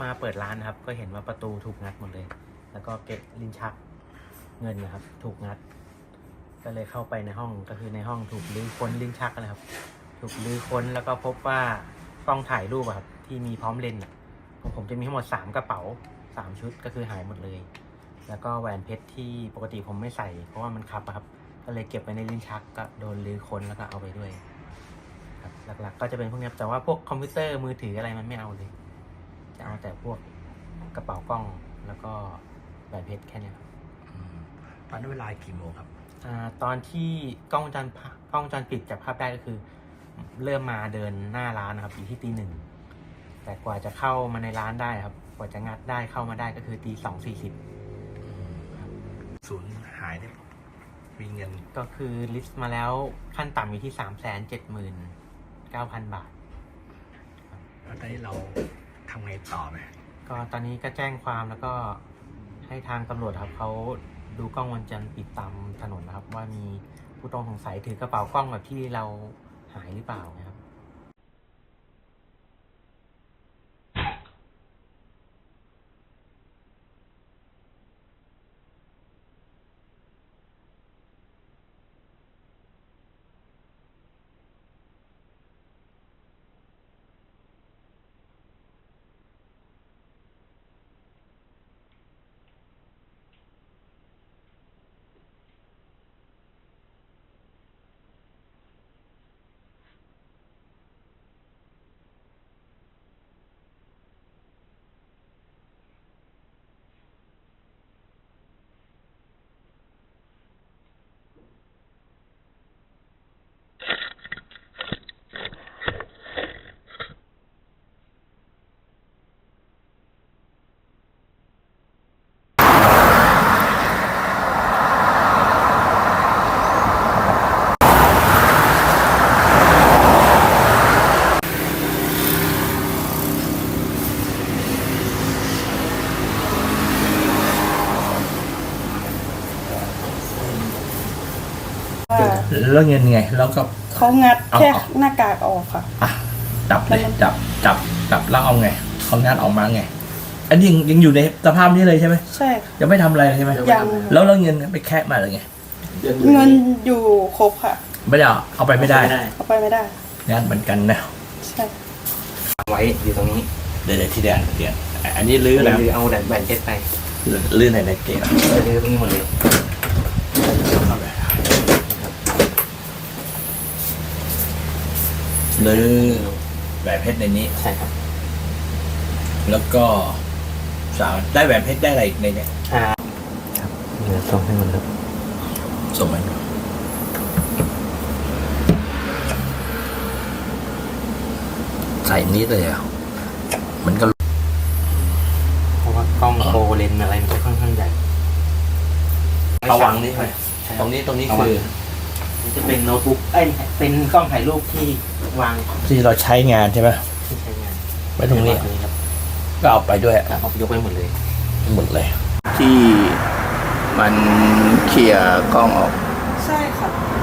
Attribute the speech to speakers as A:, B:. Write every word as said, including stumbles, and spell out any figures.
A: มาเปิดร้านนะครับก็เห็นว่าประตูถูกงัดหมดเลยแล้วก็เก็บลิ้นชักเงินนะครับถูกงัดก็เลยเข้าไปในห้องก็คือในห้องถูกลื้อค้นลิ้นชักนะครับถูกลื้อค้นแล้วก็พบว่ากล้องถ่ายรูปครับที่มีพร้อมเลนส์ของผมจะมีทั้งหมดสามกระเป๋าสามชุดก็คือหายหมดเลยแล้วก็แหวนเพชรที่ปกติผมไม่ใส่เพราะว่ามันคับครับก็เลยเก็บไว้ในลิ้นชักก็โดนลื้อค้นแล้วก็เอาไปด้วยครับหลักๆก็จะเป็นพวกนี้แต่ว่าพวกคอมพิวเตอร์มือถืออะไรมันไม่เอาเลยจะเอาแต่พวกกระเป๋ากล้องแล้วก็แหวนเพชรแค่นี้ครับ
B: ตอนนั้นเวลากี่โมงครับ
A: อ่าตอนที่กล้องวงจรกล้องวงจรปิดจับภาพได้ก็คือเริ่มมาเดินหน้าร้านนะครับอยู่ที่ตีหนึ่งแต่กว่าจะเข้ามาในร้านได้ครับกว่าจะงัดได้เข้ามาได้ก็คือตีสองสี่สิบ
B: ศูนย์หายเนี่ยมีเงิน
A: ก็คือลิสต์มาแล้วขั้นต่ำอยู่ที่สามแสนเจ็ดหมื่นเก้าพันบาท
B: แล้วตอนนี้เราทำไงต่อไหม
A: ก็ตอนนี้ก็แจ้งความแล้วก็ให้ทางตำรวจครับเขาดูกล้องวงจรปิดตามถนนนะครับว่ามีผู้ต้องสงสัยถือกระเป๋ากล้องแบบที่เราหายหรือเปล่านะครับ
B: แล้วเงินไงแล้วก็
C: เขางัดแค่หน้ากากออกค่ะ
B: อ่ะจับเลยจับจับจับแล้วเอาไงเขางัดออกมาไงอันนี้ยังยังอยู่ในสภาพนี้เลยใช่ไหม
C: ใช่ค่ะ
B: ยังไม่ทำอะไรใช่ไหม
C: ยัง
B: แล้วแล้วเงินไปแคะมาหรือไง
C: เงินอยู่ครบค่ะ
B: ไม่ได้เอาไปไม่ได้
C: เอาไปไม่ได้
B: งัดเหมือนกันนะ
C: ใช่
A: ไว้อยู่ตรงนี้
B: เดี๋ยวที่เดียนเดียนอันนี้ลื้อแล้ว
A: เอาแหวนแหวนเพชรไป
B: ลื้อไหนในเกม
A: ลื้อตรงนี้หมดเลย
B: ลื้อแหวนเพชรในนี้
A: ใช่ครับ
B: แล้วก็สาวได้แหวนเพชรได้อะไรในนี้
A: อ่าครับเดี๋ยวส่งให้มันครับ
B: ส่งมันใส่นี้เลยอ่ะมันก็
A: เพราะว่ากล้องโฟเลนอะไรมันจะค่อนข้างใหญ่
B: ระวังนี่ไปตรงนี้ตรงนี้คือ
A: มันจะเป็นโน้ตบุ๊กเอ้ยเป็นกล้องถ่ายรูปที่วาง
B: ที่เราใช้งานใช่ไหม
A: ที่ใช้งาน
B: ไว้ตรงนี้ก็เอาไปด้วย
A: เอายกไปหมดเลย
B: หมดเลยที่มันเคลียร์กล้องออก
C: ใช่ค่ะ